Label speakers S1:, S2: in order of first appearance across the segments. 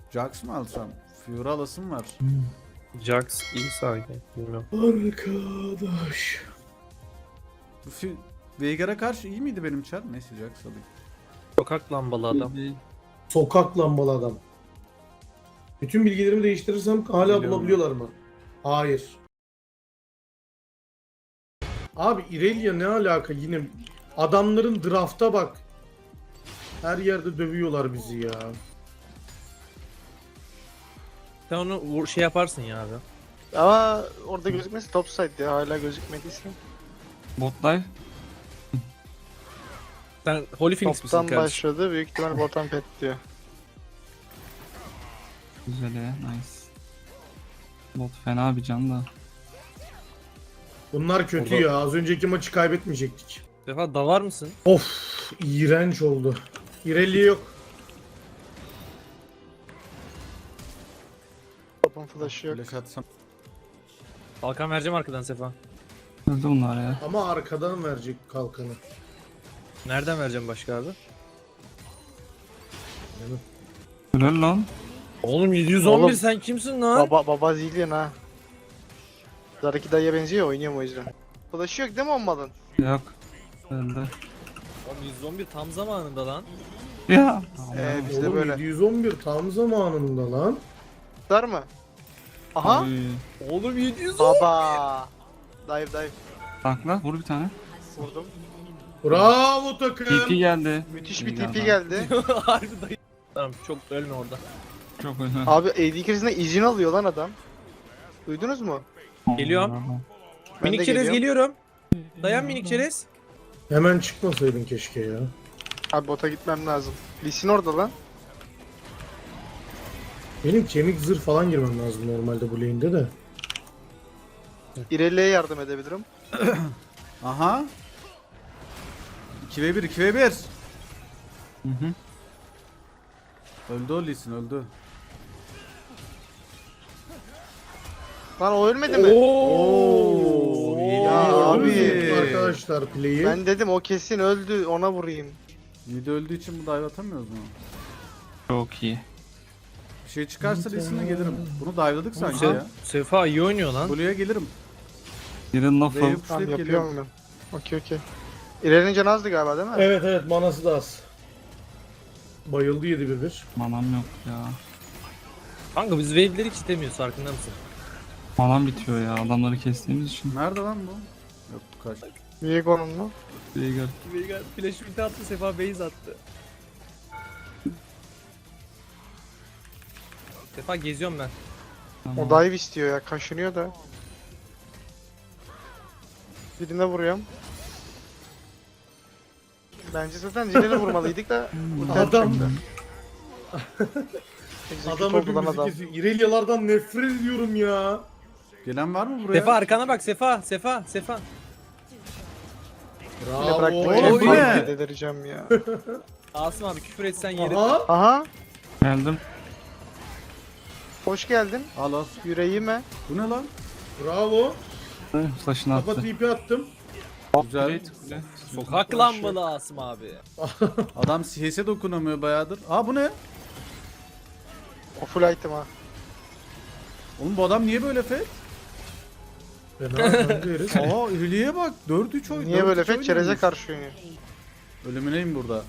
S1: Jax mı alsam? Fury alasım var.
S2: Jax iyi sahne. Bilmiyorum.
S3: Arkadaş.
S1: Bu Veigar'a karşı iyi miydi benim çar? Neyse Jax alayım.
S2: Sokak lambalı adam.
S3: Sokak lambalı adam. Bütün bilgilerimi değiştirirsem hala
S1: Biliyorum.
S3: bulabiliyorlar mı? Hayır. Abi Irelia ne alaka yine? Adamların drafta bak. Her yerde dövüyorlar bizi ya.
S2: Sen onu şey yaparsın ya abi.
S4: Ama orada gözükmesi topside ya, hala gözükmediyse.
S5: Bot dive.
S2: Sen Holy Phoenix misin
S4: Toptan
S2: kardeşim?
S4: başladı, büyük ihtimal bottom pet diyor.
S5: Güzel ya. Nice. Bot fena bir can da.
S3: Bunlar kötü
S2: Orada-
S3: ya. Az önceki maçı kaybetmeyecektik.
S2: Defa davar mısın?
S3: Of, iğrenç oldu. Irelia yok.
S4: Topun flash'ı yok.
S1: Flash atsam.
S2: Kalkan vereceğim arkadan Sefa.
S5: Öldü bunlar ya.
S3: Ama arkadan verecek kalkanı.
S2: Nereden vereceğim başka abi?
S5: Helal lan.
S2: Oğlum 711
S4: Oğlum.
S2: sen kimsin lan?
S4: Baba zillion ha. Zaraki dayıya benziyor ya, oynuyorum o yüzden. Flash'ı yok değil mi olmadın?
S5: Yok. Öldü.
S2: Oğlum 111 tam zamanında lan.
S5: Ya.
S4: Bizde
S3: Oğlum
S4: böyle.
S3: 711 tam zamanında lan.
S4: Var mı? Aha.
S5: Oy.
S2: Oğlum 710.
S4: Baba. Dive.
S5: Takla vur bir tane.
S4: Vurdum.
S3: Bravo takım.
S5: TP geldi.
S4: Müthiş
S5: İyi
S4: bir TP
S5: adam.
S4: geldi.
S2: Harbi dayı. Tamam çok ölme orada.
S5: Çok öldü.
S4: Abi AD krizine izin alıyor lan adam. Duydunuz mu?
S2: Geliyorum.
S4: Ben
S2: Minik
S4: de
S2: çerez
S4: geliyorum.
S2: geliyorum. Dayan minik çerez.
S3: Hemen çıkmasaydın keşke ya.
S4: Abi bota gitmem lazım. Lee Sin orada lan.
S3: Benim kemik zırh falan girmem lazım normalde bu lane'de de.
S4: Irelia'ya yardım edebilirim.
S1: Aha. 2v1 2v1.
S5: Hı hı.
S1: Öldü o Lee Sin, öldü.
S4: Lan o ölmedi mi?
S1: Oo,
S4: Ya abi.
S3: Arkadaşlar play'i.
S4: Ben dedim o kesin öldü, ona vurayım.
S1: Mid öldüğü için bu dive atamıyoruz mu?
S5: Çok iyi.
S1: Bir şey çıkarsa Lee Sin'e gelirim. Bunu dive'ladık sanki
S2: Sen,
S1: ya.
S2: Sefa iyi oynuyor lan.
S1: Blue'ya gelirim.
S5: Birin lafı.
S1: Wave'i
S4: Tamam
S1: pushlayıp
S4: yapıyorum
S1: geliyorum.
S4: ben. Okey. İrelia'nın canı azdı galiba değil mi?
S3: Evet manası da az. Bayıldı 7-1-1.
S5: Manam yok ya.
S2: Kanka biz wave'leri hiç istemiyoruz farkında mısın?
S5: Manam bitiyor ya. Adamları kestiğimiz için.
S1: Nerede lan bu? Yok kaç.
S4: Viego'nun mu?
S5: Veigar.
S2: Veigar flash ulti attı Sefa base attı. Sefa geziyorum ben.
S4: O dive istiyor ya, kaşınıyor da. Birine vuruyorum. Bence zaten Zile'ne vurmalıydık da. ulti
S3: Adam-
S4: atacaktı.
S3: Adam
S4: Execute oldu lan
S3: hepimizi
S4: adam.
S3: kesiyor. İrelia'lardan nefret ediyorum ya.
S1: Gelen var mı buraya?
S2: Sefa arkana bak Sefa.
S4: Yine
S3: Bravo.
S4: bıraktım.
S1: Oy,
S4: Oy,
S1: ne?
S4: delireceğim ya.
S2: Asım abi küfür etsen yeri.
S3: Aha.
S4: Aha.
S5: Geldim.
S4: Hoş geldin.
S1: Al al.
S4: Yüreğime.
S1: Bu ne lan?
S3: Bravo.
S5: Flash'ını
S3: Kafa
S5: attı.
S3: TP attım.
S1: Güzel.
S5: Kule, kule.
S2: Sokak lambalı Asım abi.
S1: Adam CS'e dokunamıyor bayağıdır. Aa bu ne?
S4: O full item ha.
S1: Oğlum bu adam niye böyle fet?
S3: Fena kanka herif.
S1: Aa Hülye'ye bak. 4-3 oyun.
S4: Niye böyle
S1: 4-3
S4: fet? Çerez'e
S1: oynuyormuş.
S4: karşı oynuyor.
S1: Ölümüneyim burada.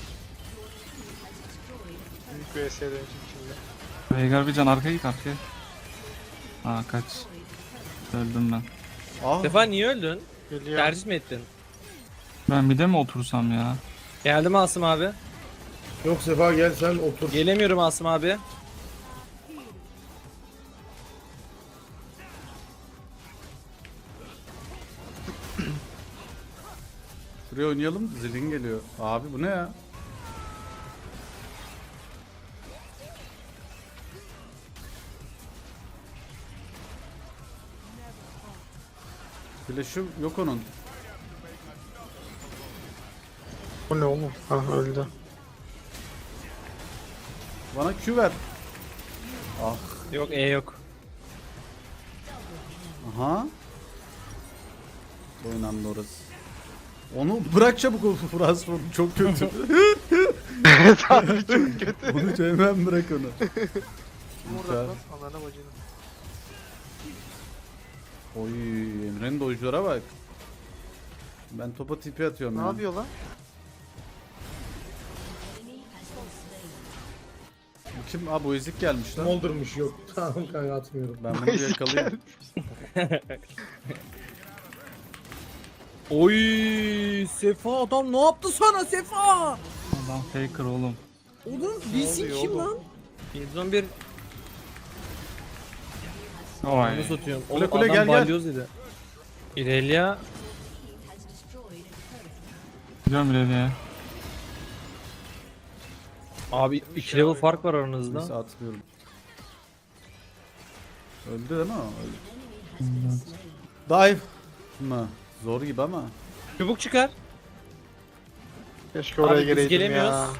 S4: Büyük bir ES'ye dönecek şimdi.
S5: Veigar bir can arkaya git arkaya. Aa kaç. Öldüm ben.
S1: Ah.
S2: Sefa niye öldün?
S4: Geliyor.
S2: Tercih mi ettin?
S5: Ben bir de mi otursam ya?
S2: Geldim Asım abi.
S3: Yok Sefa gel sen otur.
S2: Gelemiyorum Asım abi.
S1: Şuraya oynayalım. Zilin geliyor. Abi bu ne ya? Flash'ı yok onun.
S4: Bu ne oğlum? Ha öldü.
S1: Bana Q ver. Ah.
S2: Yok yok.
S1: Aha. Oynandı orası. Onu bırak çabuk o Frasford çok kötü.
S4: Evet abi çok kötü.
S1: Bunu hemen bırak onu.
S4: Murat lan anana bacını.
S1: Oy Emre'nin dojlara bak. Ben topa tipi atıyorum
S4: Ne
S1: ya.
S4: yapıyor lan?
S1: Bu kim? Aa bu ezik gelmiş lan.
S3: Moldurmuş yok. Tamam kanka atmıyorum.
S1: Ben bunu bir yakalayayım.
S2: Oy Sefa adam ne yaptı sana Sefa?
S5: Adam faker oğlum.
S2: Oğlum bilsin
S4: oluyor
S2: kim
S4: oğlum?
S2: lan? 711
S5: Oy.
S2: onu satıyorum.
S1: Kule,
S2: Oğlum
S1: kule,
S2: adam
S1: gel, gel.
S2: balyoz dedi. İrelia
S5: Gidiyorum ileriye.
S2: abi 2 level fark var aranızda.
S1: Neyse atmıyorum. Öldü değil mi o? Öldü. Dive mı? Zor gibi ama.
S2: Çubuk çıkar.
S4: Keşke oraya
S2: Abi biz
S4: geleydim
S2: gelemiyoruz.
S4: ya.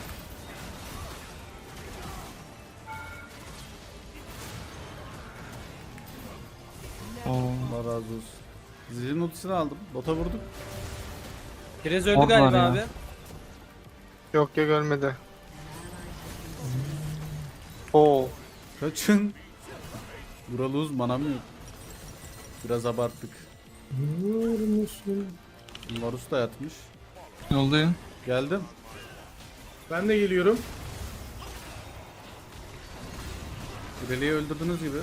S5: Oo.
S1: Allah razı olsun. Zilin ultisini aldım. Bota vurduk.
S2: Kirez öldü
S5: Ork var
S2: galiba
S5: ya.
S2: abi.
S4: Yok ya görmedi. Oo.
S1: Kaçın. Buraluz manam yok. Biraz abarttık.
S3: Biliyor musun?
S1: Varus da yatmış.
S5: Yoldayım.
S1: Geldim.
S3: Ben de geliyorum.
S1: İreli'yi öldürdüğünüz gibi.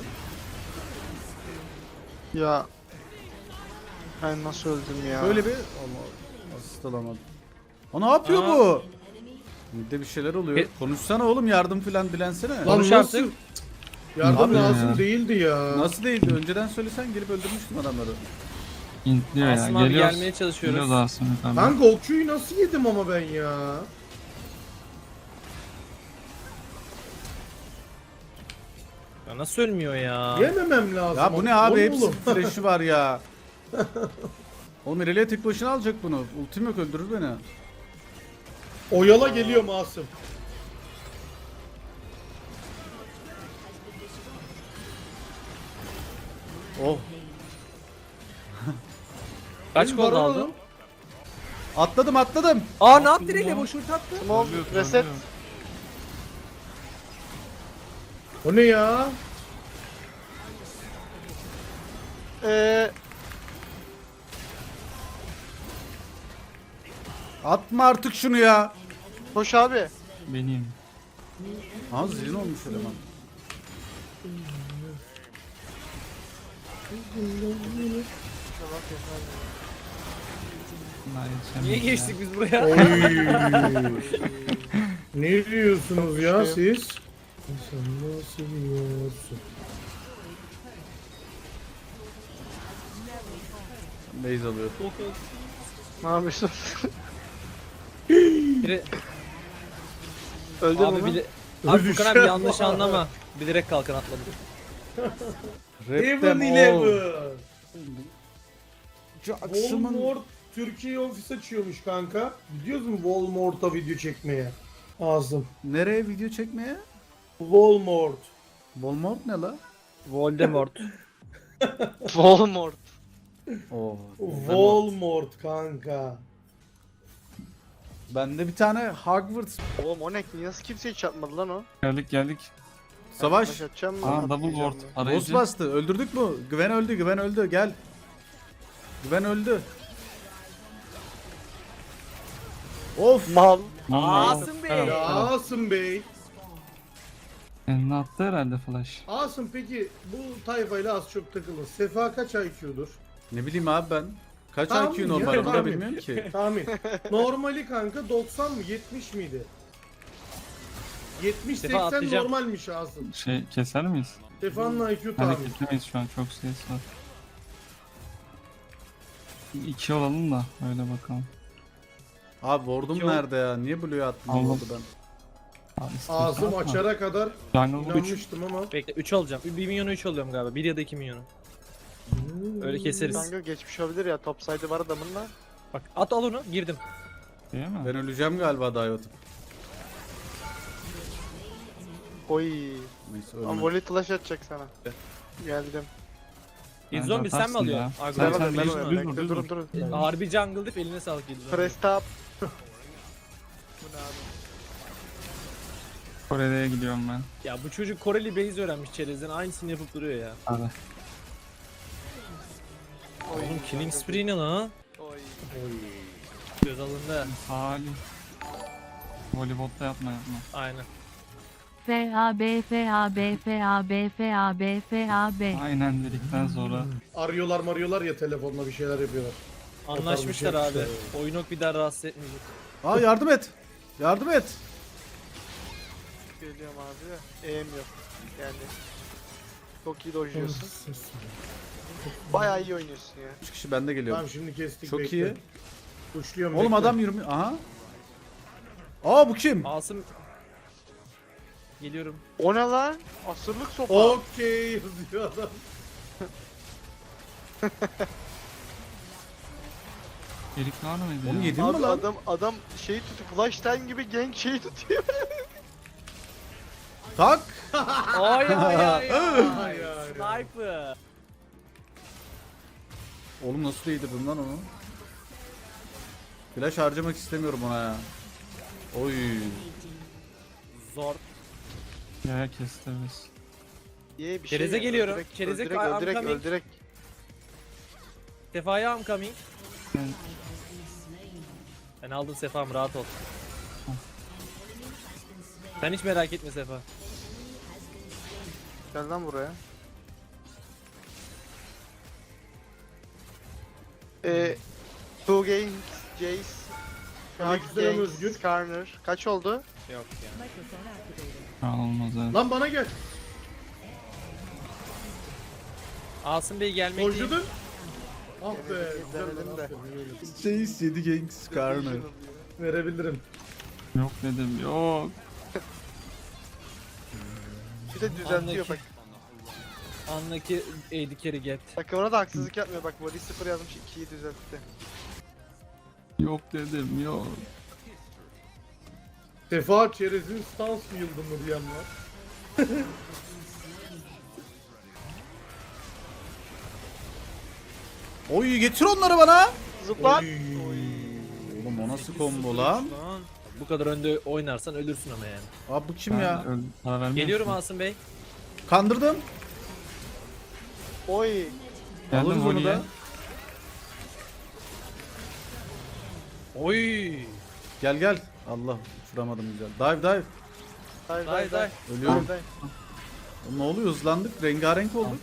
S4: Ya. Ben nasıl öldüm ya?
S1: Böyle bir... Ama asist alamadım. O ne yapıyor
S2: Aa.
S1: bu? Bir de bir şeyler oluyor.
S2: E-
S1: Konuşsana oğlum yardım filan dilensene.
S3: Lan
S2: Konuş
S3: nasıl?
S2: artık.
S3: Yardım
S1: Abi
S3: lazım
S5: ya.
S3: değildi ya.
S1: Nasıl değildi? Önceden söylesen gelip öldürmüştüm adamları.
S5: İntliyor ya.
S2: Asım abi
S5: Geliyoruz.
S2: gelmeye çalışıyoruz.
S5: Geliyoruz Asım abi.
S3: Kanka o Q'yu nasıl yedim ama ben ya?
S2: Ya nasıl ölmüyor ya?
S3: Yememem lazım.
S1: Ya bu ne abi?
S3: Oğlum,
S1: Hepsi
S3: oğlum.
S1: flash'ı var ya. Oğlum İreli'ye tek başına alacak bunu. Ultim yok öldürür beni.
S3: Oyala geliyor Masum.
S1: Oh.
S2: Kaç
S3: Benim
S2: gol
S3: baron
S2: aldın?
S3: oğlum.
S1: Atladım.
S2: Aa ne yaptı Irelia boş ulti attı.
S4: Small reset.
S3: O ne ya?
S1: Atma artık şunu ya.
S4: Koş abi.
S5: Benim.
S1: Ha zilin olmuş eleman.
S5: Daha yetişemedim
S2: Niye
S5: ya.
S2: geçtik biz buraya?
S3: Oy. Ne diyorsunuz ya
S4: Şey.
S3: siz? Sen nasıl yiyorsun?
S1: Base alıyor.
S4: Ne yapıyorsun?
S2: Biri-
S4: Öldün
S2: abi
S4: mü?
S2: bile... Abi Furkan abi yanlış anlama. Bilerek kalkan atladım.
S1: Rap them
S3: Evan
S1: all.
S3: Eleven.
S1: Jackson'ın...
S3: Walmart Türkiye ofis açıyormuş kanka. Gidiyoruz mu Walmart'a video çekmeye? Ağzım.
S1: Nereye video çekmeye?
S3: Walmart.
S1: Walmart ne la?
S2: Voldemort.
S4: Voldemort.
S1: Oo.
S3: Walmart kanka.
S1: Bende bir tane Hogwarts
S4: Oğlum o ne? Nasıl kimse hiç atmadı lan o?
S5: Geldik.
S1: savaş.
S4: Taş atacağım mı?
S5: Aa double
S4: Atmayacağım
S5: ward.
S4: mı?
S1: Boss
S5: Arayıcı.
S1: bastı. Öldürdük mü? Güven öldü. Güven öldü. Gel. Güven öldü. Of.
S4: Mal.
S2: Asım Bey.
S3: Ya Asım Bey.
S5: Eline attı herhalde flash.
S3: Asım peki bu tayfayla az çok takılır. Sefa kaç IQ'dur?
S1: Ne bileyim abi ben. Kaç
S3: Tahmin
S1: IQ
S3: ya,
S1: normal onu da
S3: tahmin.
S1: bilmiyorum ki.
S3: Tahmin. Normali kanka 90 mı 70 miydi? 70-80
S2: atlayacağım.
S3: normalmiş Asım.
S5: Şey keser miyiz?
S3: Sefa'nın IQ tahmin.
S5: Hareketlemeyiz şu an çok ses var. 2 olalım da öyle bakalım.
S1: Abi ward'um
S2: Yok.
S1: nerede ya? Niye Blue'ya attım
S5: Allah.
S1: oldu ben?
S5: Abi, istiyorsan
S3: Ağzım
S5: atma.
S3: açara kadar
S5: Jungle 3.
S3: inanmıştım ama.
S2: Bekle 3 alacağım. 1 milyonu 3 alıyorum galiba. 1 ya da 2 milyonu. Öyle keseriz.
S4: Kanka geçmiş olabilir ya. Top saydı var adamın da.
S2: Bak at al onu girdim.
S5: Değil mi?
S1: Ben öleceğim galiba dive atıp.
S4: Oy.
S1: Neyse
S4: Ama
S1: ölmedim.
S4: volley flash atacak sana. Geldim.
S2: İlk
S5: Bence
S2: zombi sen mi
S5: atarsın
S2: alıyorsun?
S5: ya.
S2: Argo.
S5: Sen-
S4: Ben
S5: düz-
S4: alıyorum.
S5: düz vur,
S4: Bekle,
S5: düz
S4: durun
S5: vur.
S4: durun.
S2: Harbi jungle dip eline sağlık İlk zombi.
S4: Press top. Bu ne abi?
S5: Kore'ye gidiyorum ben.
S2: Ya bu çocuk Koreli base öğrenmiş çerezden aynısını yapıp duruyor ya.
S5: Hadi.
S2: Oğlum Killing Spree ne lan?
S4: Oy.
S2: Göz alındı.
S5: Salih. Voleybolda yapma.
S2: Aynen.
S6: FAB FAB FAB FAB FAB.
S5: Aynen dedikten sonra.
S3: Arıyorlar ya telefonla bir şeyler yapıyorlar.
S2: Anlaşmışlar
S3: O tarz bir şey
S2: abi.
S3: yapmışlar.
S2: Oyunok bir daha rahatsız etmeyecek.
S1: Aa yardım et. Yardım et.
S4: Geliyorum abi. Eğim yok. Yani. Çok iyi dojluyorsun. Bayağı iyi oynuyorsun ya.
S1: 3 kişi bende geliyor.
S3: Tamam şimdi kestik.
S1: Çok
S3: bekle.
S1: iyi.
S3: Uçluyorum.
S1: Oğlum
S3: bekle.
S1: adam yürümüyor. Aha. Aa bu kim?
S2: Asım. Geliyorum.
S4: O ne lan? Asırlık sopa.
S3: Okey yazıyor adam.
S5: Erik var mıydı
S1: Onu
S5: ya?
S1: yedin mi
S4: Abi
S1: lan?
S4: adam şeyi tutuyor. Flash time gibi gank şeyi tutuyor.
S1: Tak.
S2: Ay ay ay
S3: Ay,
S2: ay.
S3: ay.
S2: Sniper.
S1: Oğlum nasıl değdirdin lan onu? Flash harcamak istemiyorum ona ya. Oy.
S2: Zor.
S5: Ya kesti biz.
S4: Diye bir
S2: Çereze
S4: ya.
S2: geliyorum.
S4: Öldürek,
S2: Çereze
S4: öldürek,
S2: I'm
S4: öldürek,
S2: coming.
S4: öldürek.
S2: Sefa'ya I'm coming.
S5: Ben
S2: Ben aldım Sefa'm rahat ol. Sen hiç merak etme Sefa.
S4: Gel lan buraya. Two games, Jace.
S3: Aleykümselam
S4: Ganks,
S3: Özgür.
S4: Skarner. Kaç oldu?
S2: Yok ya.
S5: olmaz evet.
S3: Lan bana gel.
S2: Asım Bey gelmek değil.
S3: Dojladın. Ah be.
S4: Denedim,
S3: Güzel lan,
S4: denedim de.
S3: aferin.
S1: Chase 7 gank Skarner.
S3: Verebilirim.
S5: Yok dedim yok.
S4: Bir de düzeltiyor bak.
S2: Andaki AD carry get.
S4: Takımına da haksızlık yapmıyor bak. Body 0 yazmış 2'yi düzeltti.
S5: Yok dedim yok.
S3: Sefa çerezin stans mı yıldı mı diyen var.
S1: Oy getir onları bana.
S4: Zıplan.
S1: Oğlum o nasıl combo lan?
S2: Lan. Bu kadar önde oynarsan ölürsün ama yani.
S1: Abi bu kim ya?
S5: Para vermiyor
S2: Geliyorum
S5: musun?
S2: Asım Bey.
S1: Kandırdım.
S4: Oy.
S5: Geldim
S1: Alırız onu
S5: voleye.
S1: da.
S2: Oy.
S1: Gel gel. Allah uçuramadım güzel. Dive dive.
S4: Day
S2: Day day.
S1: Ölüyorum. Oğlum ne oluyor hızlandık. Rengarenk olduk.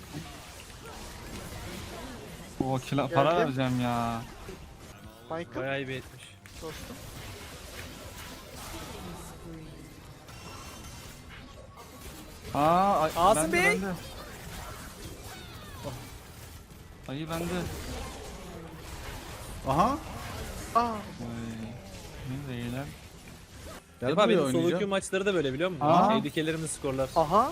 S5: O kila para
S4: Geldim.
S5: vereceğim ya.
S4: Michael
S2: Bayağı iyi bir etmiş.
S4: dostum.
S2: Asım
S5: bende,
S2: Bey.
S5: bende. Ayı bende.
S1: Aha.
S4: Aa.
S5: Oy. Ne değiller.
S1: Gel
S2: Sefa
S1: buraya
S2: benim solo queue
S1: oynayacağım.
S2: maçları da böyle biliyor musun?
S5: Aa.
S2: AD carry'lerimin skorlar.
S4: Aha.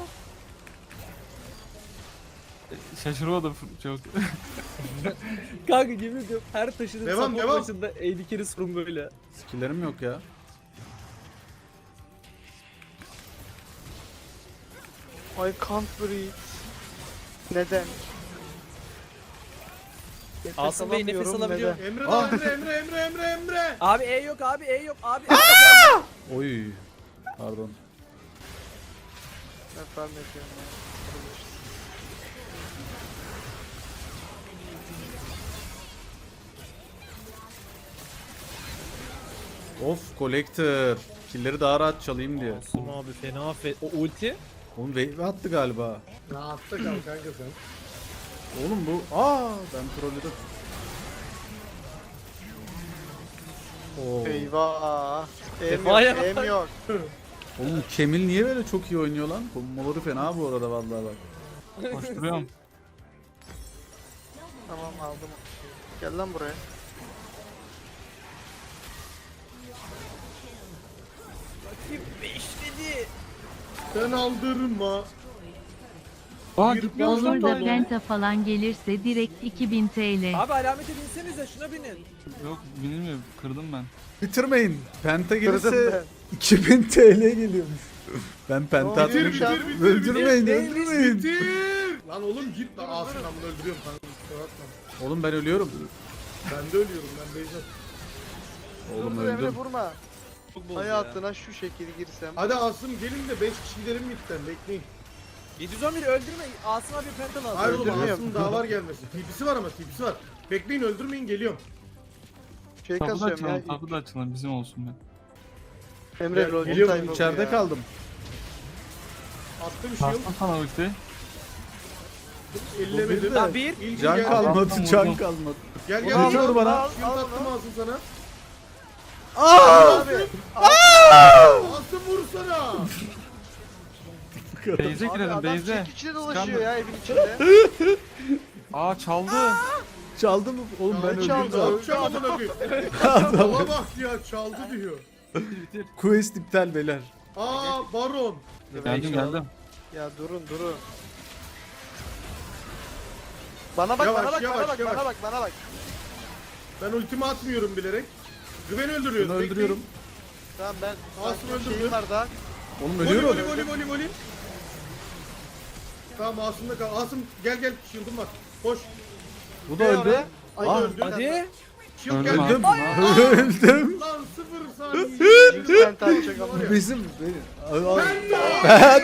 S5: Şaşırmadım çok.
S2: Kanka yemin ediyorum her taşıdığım
S3: Devam,
S2: support
S3: devam.
S2: maçında AD carry skorum böyle.
S1: Skillerim yok ya.
S4: I can't breathe. Neden? Nefes
S2: Asım Bey nefes
S4: alamıyorum,
S2: alabiliyor.
S4: neden?
S3: Emre
S1: Ah.
S3: da Emre.
S2: Abi E yok abi E yok abi.
S1: Oy. Pardon.
S4: Ben ne diyorum ya?
S1: Of collector. Killleri daha rahat çalayım diye.
S2: Asım abi fena affet. O ulti.
S1: Oğlum wave attı galiba.
S3: Rahatta kal kanka sen.
S1: Oğlum bu. Aa ben trolledim. Oo.
S4: Eyvah. Em yok,
S2: Sefa'ya
S4: em
S2: bak.
S4: yok.
S1: Oğlum Kemil niye böyle çok iyi oynuyor lan? Komboları fena bu arada vallahi bak.
S5: Koşturuyorum.
S4: Tamam aldım. Gel lan buraya.
S2: Kim 5 dedi.
S3: Sen aldırma.
S5: Aa
S3: Bir
S5: gitmiyormuş
S3: bozuldu.
S5: lan
S6: Olur da
S5: böyle.
S6: Penta falan gelirse direkt 2000 TL.
S2: Abi alamete binsenize şuna binin.
S5: Yok binilmiyor kırdım ben.
S1: Bitirmeyin. Penta
S4: Kırdım
S1: gelirse 2000 TL geliyormuş. Ben penta
S4: Bitir,
S1: atmayayım.
S4: bitir,
S1: Öldürmeyin, öldürmeyin.
S3: Bitir. Lan oğlum git lan. Asım ben bunu öldürüyorum kanka. kusura bakma.
S1: Oğlum ben ölüyorum.
S3: Ben de ölüyorum ben Beyzat.
S1: Oğlum
S4: Dur, Emre
S1: öldüm.
S4: vurma.
S2: Çok bozdu
S4: hayatına şu şekilde girsem.
S3: Hadi Asım gelin de 5 kişi gidelim midden bekleyin.
S2: ya. 711 öldürme. Asım abi penta lazım.
S3: Hayır oğlum
S4: Öldürmüyorum.
S3: Asım daha var gelmesi. TP'si var ama TP'si var. Bekleyin öldürmeyin geliyorum.
S4: Şey
S5: Tapu da
S4: kasıyorum ya.
S5: açalım, tapu da açalım bizim olsun be.
S4: Emre
S3: Ya,
S4: lol
S3: geliyorum,
S4: time oldu
S1: İçeride
S4: ya.
S1: kaldım.
S3: Attım shield.
S5: Bastım sana ulti.
S3: Ellemedim.
S2: Lan bir.
S3: İlkin
S1: Can
S3: geldi.
S1: kalmadı,
S5: Vurdum.
S1: can kalmadı.
S3: Gel
S1: Onu
S3: gel.
S1: al,
S3: gel.
S1: vur bana.
S4: Al,
S3: Shield
S4: al
S3: attım
S4: bunu.
S3: Asım sana.
S4: Abi.
S3: Asım vursana.
S5: Beyze
S4: Abi
S5: girelim
S4: adam
S5: Beyze.
S4: çekiçle dolaşıyor
S5: Çıkamıyorum.
S4: ya evin içinde.
S5: Aa çaldı.
S1: Çaldı mı? Oğlum ben öldüm
S4: çaldı.
S1: zaten.
S3: Öldüm amına koyayım. Baba bak ya çaldı diyor.
S5: Bitir.
S1: Quest iptal beyler.
S3: Aa Baron.
S5: Geldim.
S4: Ya durun. Bana bak,
S3: Yavaş,
S4: bana bak,
S3: yavaş,
S4: bana bak,
S3: yavaş.
S4: bana bak, bana bak.
S3: Ben ultimi atmıyorum bilerek. Güven öldürüyoruz.
S1: Bunu öldürüyorum.
S4: Tamam ben
S3: Asım
S4: sanki
S3: öldürdü.
S4: şeyim var daha.
S1: Oğlum
S3: Voli
S1: ölüyorum.
S3: voli. Tamam Asım'da kal. Asım gel shield'ım var. Koş.
S1: Bu da
S4: Ne
S1: öldü.
S4: oraya?
S3: Ay
S1: Ah,
S3: öldü.
S2: Hadi.
S3: Shield
S5: Öldüm
S3: geldi.
S5: abi.
S1: Öldüm.
S3: Lan 0 saniye.
S4: Yüzden tartacak ama.
S1: Bizim...
S3: Penta.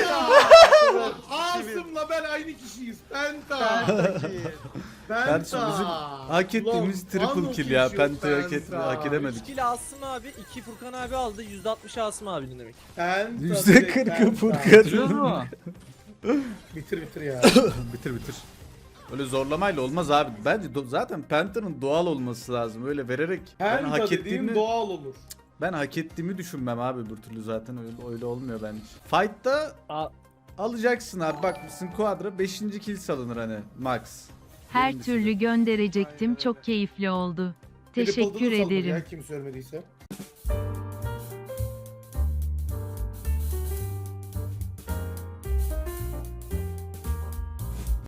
S3: Asım'la ben aynı kişiyiz. Penta.
S1: Kardeşim bizim hak ettiğimiz triple kill ya. Penta'yı hak edemedik.
S2: 3 kill Asım abi, 2 Furkan abi aldı. %60 Asım abinin demek.
S1: %40'ı
S5: Bitiriyor
S1: Furkan.
S5: mu?
S3: Bitir ya.
S1: Bitir. Öyle zorlamayla olmaz abi. Bence zaten Penta'nın doğal olması lazım. Öyle vererek ben
S3: Penta
S1: hak
S3: dediğim
S1: ettiğimi
S3: doğal olur.
S1: ben hak ettiğimi düşünmem abi bu türlü zaten öyle olmuyor bence. Fight'ta alacaksın abi. Bak bizim Quadra 5. kill salınır hani max.
S6: Her
S1: Benim
S6: türlü gönderecektim. Çok keyifli oldu.
S3: Triple'da da
S6: Teşekkür
S3: saldır
S6: ederim.
S3: Ya, kim söylemediyse.